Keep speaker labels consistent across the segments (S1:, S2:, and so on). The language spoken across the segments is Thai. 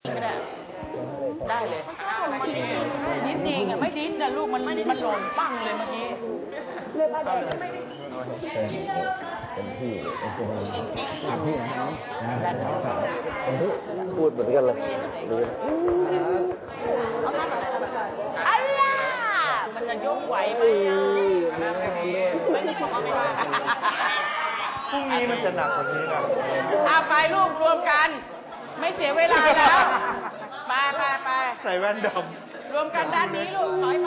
S1: ไม่ได้ได้เลยนิดจริงอ่ะไม่ดิ้นนะลูกมันหล่นปั้งเลยเมื่อกี้
S2: เป็นพี่นะครับพูดเหมือนกันเลย
S1: อัลล่ามันจะยกไหวไหม
S3: พรุ่งนี้มันจะหนักกว่านี้นะ
S1: ไปลูกรวมกันไม่เสียเวลาแล้วไป
S3: ใส่แว่นด
S1: ำรวมกันด้านนี้ลูกถอยไป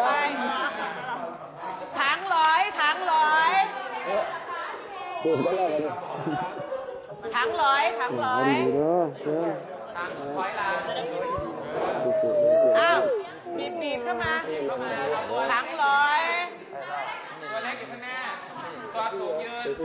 S1: ถังร้อยถังร้อยอ้าวบีบเข้ามาถังร้อย
S4: ตัวเล็กอยู่ข้างหน้าตัวสูงยืน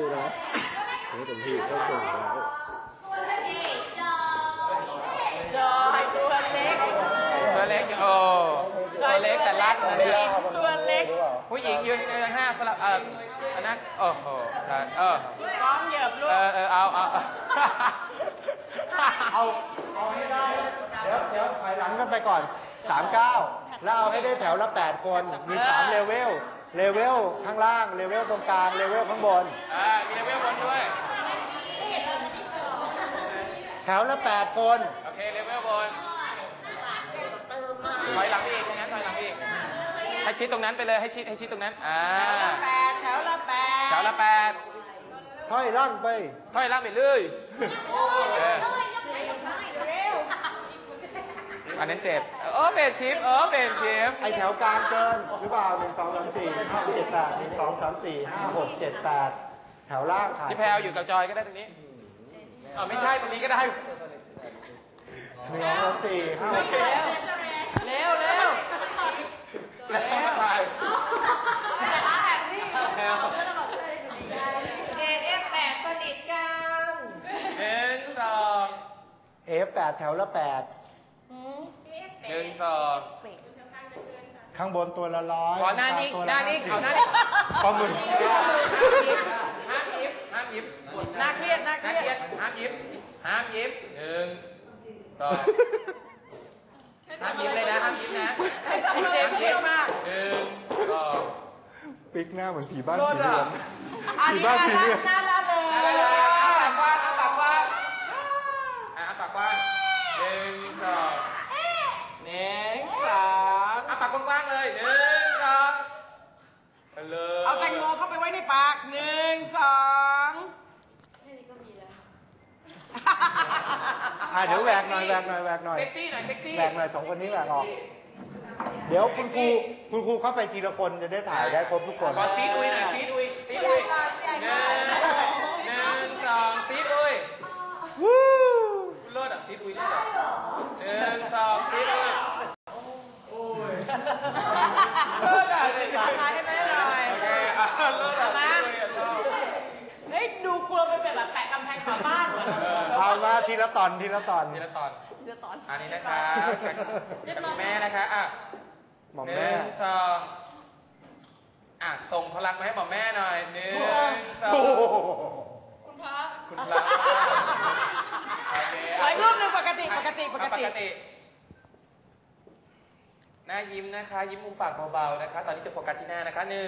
S1: จอยตัวเล็ก
S4: ตัวเล็กตัวเล็กแต่รัดนะเนี่ย
S1: ตัวเล็ก
S4: ผู้หญิงยืนกันห้าคนละอันนั้นโอ้โห
S1: พร้อมเหยียบลูก
S4: เอา
S3: ให้ได้เดี๋ยวถอยหลังกันไปก่อน39แล้วเอาให้ได้แถวละ8คนมี3เลเวลข้างล่างเลเวลตรงกลางเลเวลข้างบน
S4: มีเลเวลบนด้วย
S3: แถวละ8คน
S4: โอเคเลเวลบนถอยหลังอีกงั้นถอยหลังอีกให้ชิดตรงนั้นไปเลยให้ชิดตรงนั้น
S1: แถวละ8
S3: ถอยล่างไป
S4: เลยอันนั้นเจ็บเป็นชิป
S3: ไอแถวกลางเกินหรือเปล่า1 2 3 4 5 6 7 8 1 2 3 4 5 6 7 8แถวล่างค่ะ
S4: พี่แพลอยู่กับจอยก็ได้ตรงนี้ไม่ใช่ตรงนี้ก็ได้
S3: 1 2 3 4 5 6 7
S1: เร็ว
S4: แล้วมาถ่าย
S3: F8 แถวละ8 ข้างบนตัวละ100
S4: ขอหน้านี้ขอหน้านี้
S3: ปลาหมึก
S4: ห้ามยิบ
S1: น่าเครียด
S4: ห้ามยิบ1 2ห้ามยิบเลยนะห้ามยิบนะ
S1: เครียดมาก
S4: 1 2
S3: ปิ๊กหน้าเหมือนผีบ้านผีเรือน
S1: ผีบ้านผีเรือนน่ารักเลย
S4: ปากกว้างปากกว้าง1 2ปากกว้างเลย1 2ไปเลย
S1: เอาแตงโมเข้าไปไว้ในปาก1 2
S3: แค่นี้ก็มีแล้วเดี๋ยวแหวกหน่อย
S4: เซ็กซี่หน่อย
S3: แหวกหน่อย2คนนี้แหวกออกเดี๋ยวคุณครูเข้าไปทีละคนจะได้ถ่ายได้ครบทุกคน
S4: ขอซีดอุ้ยหน่อยซีดอุ้ย1 2ซีดอุ้ย
S3: วู้
S4: เลิศซีดอุ้ยเลิศ1 2ซีดอุ้ย
S1: ถ่ายให้แม่หน่อยมาเฮ้ยดูกลัวเป็นแบบแปะกำแพงฝาบ้านเหรอ
S3: เอามาทีละตอน
S4: อันนี้นะคะกับแม่นะคะ
S3: หม่อมแม่
S4: 1 2ส่งพลังมาให้หม่อมแม่หน่อย1 2คุณพระ
S1: อีกรูปหนึ่งปกติ
S4: หน้ายิ้มนะคะยิ้มมุมปากเบาๆนะคะตอนนี้จะโฟกัสที่หน้านะคะ1 2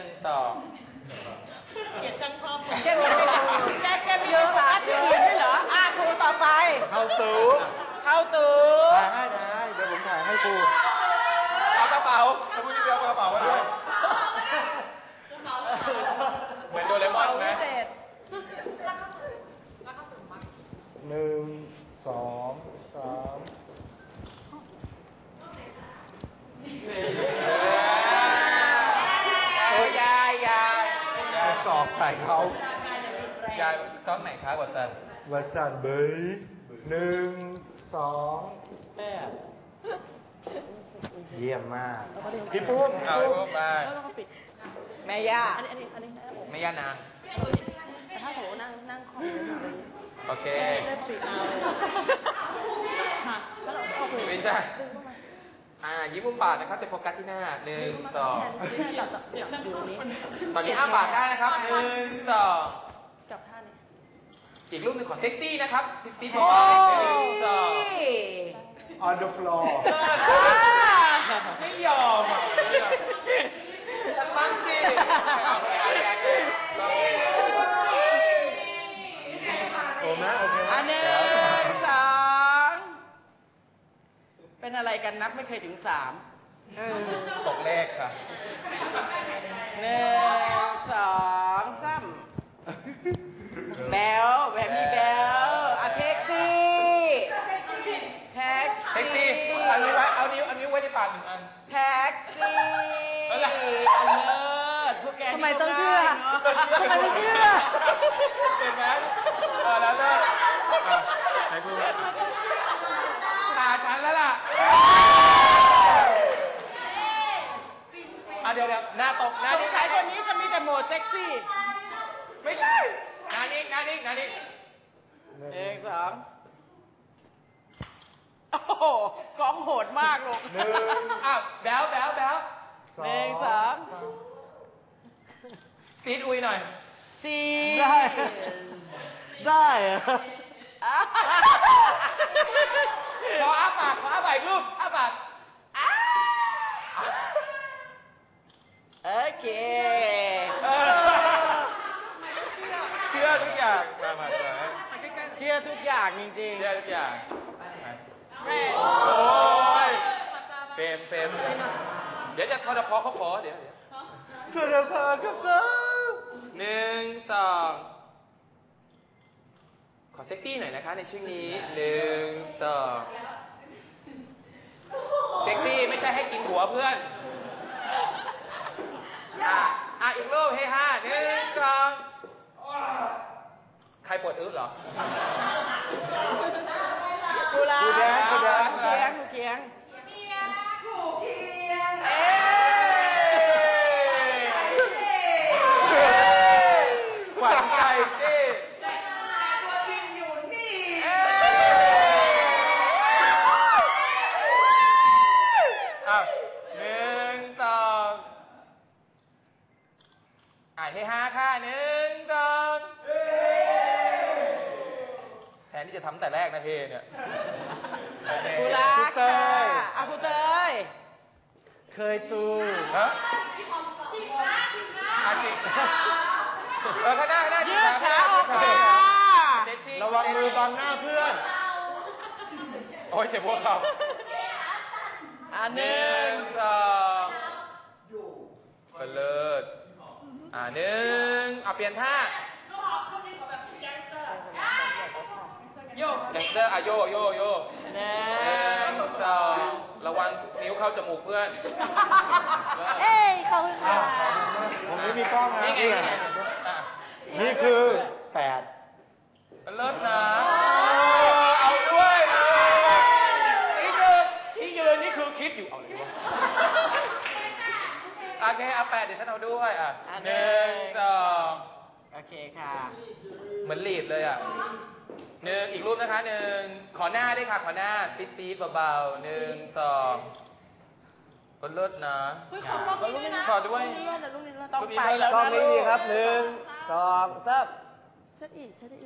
S1: เกลียดช่างภาพแกมีโฟกัสที่อื่นด้วยเหรอครูต่อไป
S3: เข้าตู้
S1: ถ่
S3: ายให้ได้เดี๋ยวผมถ่ายให้ครู
S4: เอากระเป๋าถ้าพูดเดียวกระเป๋าก็ได้เหมือนโดเรมอนไหม
S3: 1 2 3สอบใส่เขา
S4: ยายต้องไหนคะวั
S3: สันเบย1 2 8เยี่ยมมากพี่ปุ้ม
S4: มา
S1: แม่ย่า
S4: แม่ย่านาง
S1: ถ้าโหนั่งคอม
S4: โอเคไม่ใช่ยิ้มมุมปากนะครับจะโฟกัสที่หน้า1 2ตอนนี้ปากได้นะครับ1 2
S1: กับท่านี้
S4: อีกรูปหนึ่งขอเซ็กซี่นะครับเซ็กซี่เบาๆ1 2
S3: on the floor
S4: ไม่ยอมอ่ะฉันบ้างสิ
S3: โอเคไหมโอเคไหม
S1: อันหนึ่งสองเป็นอะไรกันนับไม่เคยถึงสาม
S4: ตกเลขค่ะ
S1: หนึ่งสองสามแบลแบบมีแบลอะแท็กซี่แท็ก
S4: เซ็ก
S1: ซี่
S4: ซี่เอานิ้วไว้เอานิ้วไว้ในปากหนึ่งอัน
S1: แท็กซี่อันเลิศพวกแก
S5: ทำไมต้องเชื่อ ทำไมไม่เชื่อ
S4: เห็นไหมแล้วเลิกไหนกูตาฉันแล้วล่ะเดี๋ยวหน้าตกหน้า
S1: สง
S4: นี่
S1: สัยคนนี้จะมีแต่โหมดเซ็กซี่
S4: ไม่ใช่หน้านี่
S1: หนึ่งสองโอ้โหกองโหดมากลูก
S3: หนึ่ง
S4: แบ๊ว
S1: หนึ่งสอง
S4: ซีดอุยหน่อย
S1: สี่
S5: ได้เหรอ
S4: ขออ้าปากอีกรูปอ้าปาก
S1: โอเค
S4: เชื่อทุกอย่างมา
S1: เชื่อทุกอย่างจริง
S4: เชื่อทุกอย่าง
S1: ๆแม่
S4: โอ้ยเฟรมเดี๋ยวจะทอดพอเขาขอเดี๋ยว
S3: เพื่อนพากับฟ้า
S4: หนึ่งสองขอเซ็กซี่หน่อยนะคะในช่วงนี้หนึ่งสองเซ็กซี่ไม่ใช่ให้กินหัวเพื่อนอีกรูปให้ห้าหนึ่งสองใครปวดอึเหรอ
S1: กูรัก
S3: กูแดง
S1: กูเคียงเอ๊ะ
S4: ขวัญใจสิ
S1: ตัวจริงอยู่นี่
S4: หนึ่งสองให้ห้าค่ะหนึ่งสองแทนที่จะทำแต่แรกนะเฮเนี่ย
S1: กูรักค่ะกูเตย
S3: เคยตู
S4: ฮะชิกข้างหน้า
S1: ยืดขาออกมา
S3: ระวังมือบังหน้าเพื่อน
S4: โอ้ยเจ็บพวกเขา
S1: หนึ่ง
S4: สองเลิศหนึ่งเปลี่ยนท่าโยกแดนเซอร์โย
S1: หนึ่ง
S4: สองระวังนิ้วเข้าจมูกเพื่อน
S5: เอ้ยขอบคุณค่ะ
S3: ผมไม่มีกล้องนะ
S4: นี่ไง
S3: นี่คือ8
S4: เลิศนะเอาด้วยนี่คือที่ยืนนี่คือคิดอยู่เอาเลยวะโอเค8เดี๋ยวฉันเอาด้วยหนึ่งสอง
S1: โอเคค่ะ
S4: เหมือนลีดเลยหนึ่งอีกรูปนะคะหนึ่งขอหน้าด้วยค่ะขอหน้าตีดเบาๆหนึ่งสองคนเลิศนะขอด้วย
S1: ต้องไปแล้ว
S2: กล้อง
S1: นะ
S2: นี้
S1: ลู
S2: ดี
S1: ก
S2: ครับหนึ่งสองสาม
S5: ชัดอีกเชิด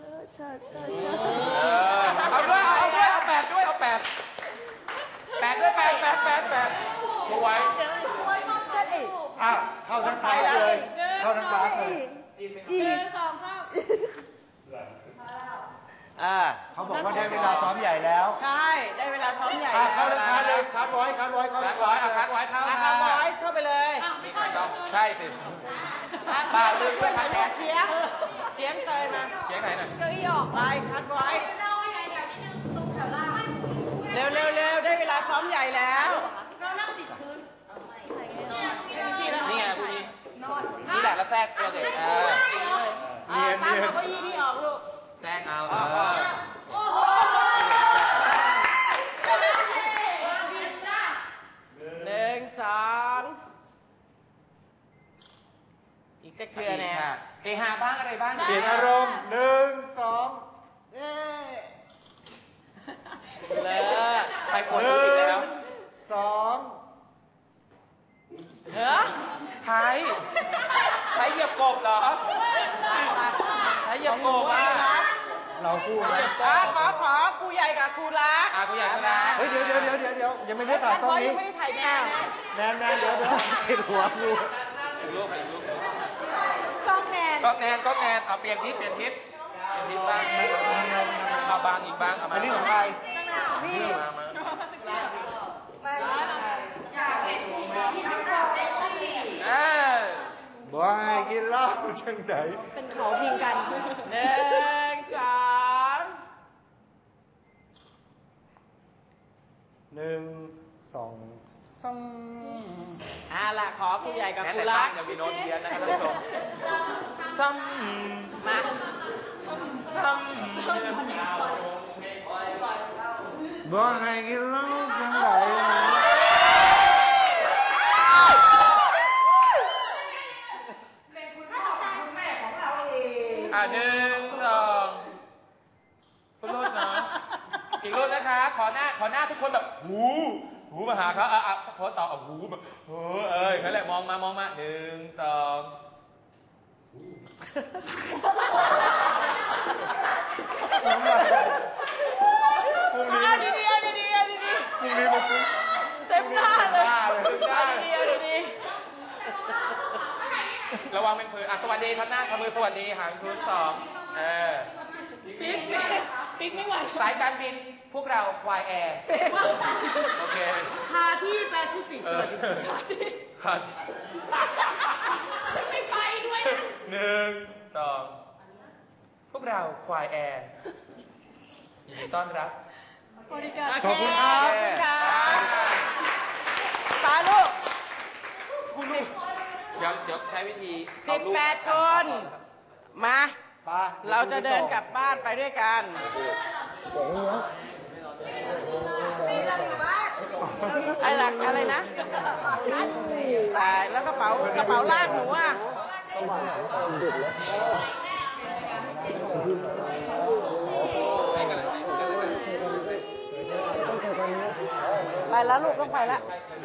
S4: เอาด้วยเอา8ด้วยเอา8ด้วย8มาไว้
S5: ชัดอีก
S3: เข้าทั้งคลาสเลย เข้าทั้งคลาสเลย เขาบอกว่าได้เวลาซ้อมใหญ่แล้ว
S1: ใช่ได้เวลาท้องใหญ่
S3: เข้าทั้งคลาสเลยคัดไว้เข้า
S4: คัดไว้เข้า
S1: อาคาบอยส์เข้าไปเลย
S4: มีใครก็ใช่สิ
S1: ป้าลืมช่วยคัดแขนเชียงเตยมา
S4: เสียงไหนหน่อย
S1: เก้าอี้ออกไปคัดไว้เร็วได้เวลาซ้อมใหญ่แล้ว
S4: นี่ไงคุณนี่แหละแล้วแทรกตัวเด็ก
S3: เนียน
S1: ตั้งเอาเก้าอี้นี่ออกลูก
S4: แทรกเอา
S1: หนึ่งสองอีกตะเกียร์แน่
S4: เฮฮาบ้างอะไรบ้าง
S3: เปลี่ยนอารมณ์1 2
S1: เลย
S4: ไปปวดอีกแล้ว
S3: 1 2
S1: เฮ้ย
S4: ไทยเหยียบกบเหรอไทยเหยียบกบ
S3: เราคู่ไหม
S1: ขอครูใหญ่กับครูรัก
S4: กูอยากชนะ
S3: เฮ้ยเดี๋ยวยังไม่ได้ถ่ายกล้องนี้
S1: ยังไม่ได้ถ่ายแนน
S3: แนนเดี๋ยวติดหัวกู
S4: อีกรูปอีกรูป
S5: กล้องแนน
S4: ก็แนนเอาเปลี่ยนทิศบ้างเอาบางอีกบ้างเอามา
S3: อันนี้ของใคร
S5: นี่
S4: มา
S3: บ่ให้กินเหล้าจังไหน
S5: เป็นเขาพิงกัน
S1: 1 2
S3: 1 2
S1: ล่ะขอครูใหญ่กับ
S4: แม้
S1: ครู
S4: แต่
S1: รั
S4: ตั้
S1: ก
S4: งยังมีโน้ตเพี้ยนนะครับท่านผู้ชม
S1: มา
S3: บ่ให้กินเหล้าจังไหน
S4: 1 2คุณรูปนะอีกรูปนะคะ ขอหน้าทุกคนแบบหูมาหาเขาโพสต่อหูแบบนั่นแหละมองมา1 2
S3: พรุ่งนี้
S1: เอาดีๆ
S3: พรุ่งนี้มาปุ๊บ
S1: เต็มหน้าเลย
S3: เอาดี
S4: ระวังเป็นผืนสวัสดีครับหน้าทำมือสวัสดีหางพื้น
S1: ปิ๊กไม่ไหว
S4: สายการบินพวกเราควายแอร์โอเค
S1: คาที่แปซิฟิกสวัสดีคาที่
S4: ครับ
S1: ฉันไม่ไปด้วยนะ
S4: 1 2พวกเราควายแอร์ยินดีต้อนรับ
S3: ขอบคุณครับ
S1: ขอบคุณค่ะปาลูก
S4: เดี๋ยวใช้วิธีเอารูป
S1: 18 คน มา
S3: ไป
S1: เราจะเดินกลับบ้านไปด้วยกัน อะไรนะตายแล้วกระเป๋าลากหนูอ่ะ ไปแล้วลูกต้องไปแล้ว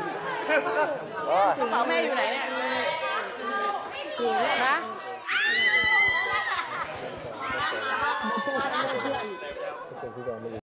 S1: กระเป๋าแม่อยู่ไหนเนี่ยนะ